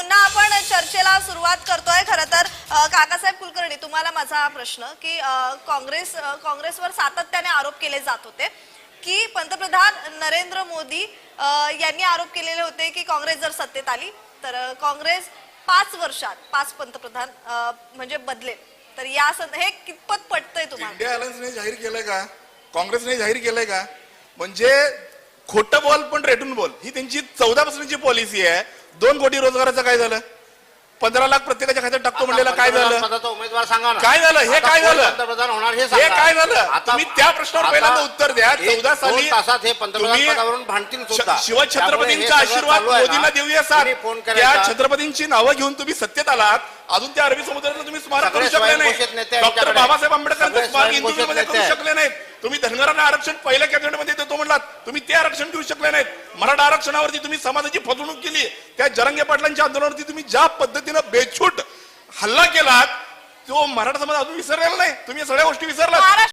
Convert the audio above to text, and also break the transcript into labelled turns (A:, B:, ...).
A: पुन्हा आपण चर्चेला सुरुवात करतोय। खरं तर काकासाहेब कुलकर्णी, तुम्हाला माझा प्रश्न की काँग्रेसवर सातत्याने आरोप केले जात होते की पंतप्रधान नरेंद्र मोदी यांनी आरोप केलेले होते की काँग्रेस जर सत्तेत आली तर काँग्रेस 5 वर्षात 5 पंतप्रधान म्हणजे बदलेल। तर या हे कितपत पटतंय तुम्हाला?
B: इंडिया अलायन्सने जाहीर केलंय का, काँग्रेसने जाहीर केलंय का? म्हणजे खोटं बोल पण रेटून बोल, ही त्यांची 14 पासूनची पॉलिसी आहे। 2 कोटी रोजगाराचं काय झालं? 15 लाख प्रत्येकाच्या खात्यात टाकतो म्हणलेला काय झालं?
C: उमेदवार सांगा ना,
B: काय झालं? हे काय झालं?
C: पंतप्रधान होणार हे
B: हे काय झालं? तुम्ही त्या प्रश्नावर पहिल्यांदा उत्तर द्या। 14 साली
C: तासात हे पंतप्रधान पदावरून भांडतील सुद्धा।
B: शिवछत्रपतींचा आशीर्वाद मोदींना देऊया साथ। त्या छत्रपतींची नावं घेऊन तुम्ही सत्तेत आलात, अजून त्या अरबी समुद्राचं तुम्ही स्मारक करू शकले नाही। डॉक्टर बाबासाहेब आंबेडकरांचं स्मारक इंदुरमध्ये करू शकले नाहीत। तुम्ही धनगरांना आरक्षण पहिल्या कॅबिनेटमध्ये देतो म्हणलात, तुम्ही ते आरक्षण देऊ शकले नाहीत। मराठा आरक्षणावरती तुम्ही समाजाची फसवणूक केली। त्या जरांगे पाटलांच्या आंदोलनावरती तुम्ही ज्या पद्धतीनं बेछूट हल्ला केलात, तो मराठा समाज अजून विसरलेला नाही। तुम्ही सगळ्या गोष्टी विसरलात।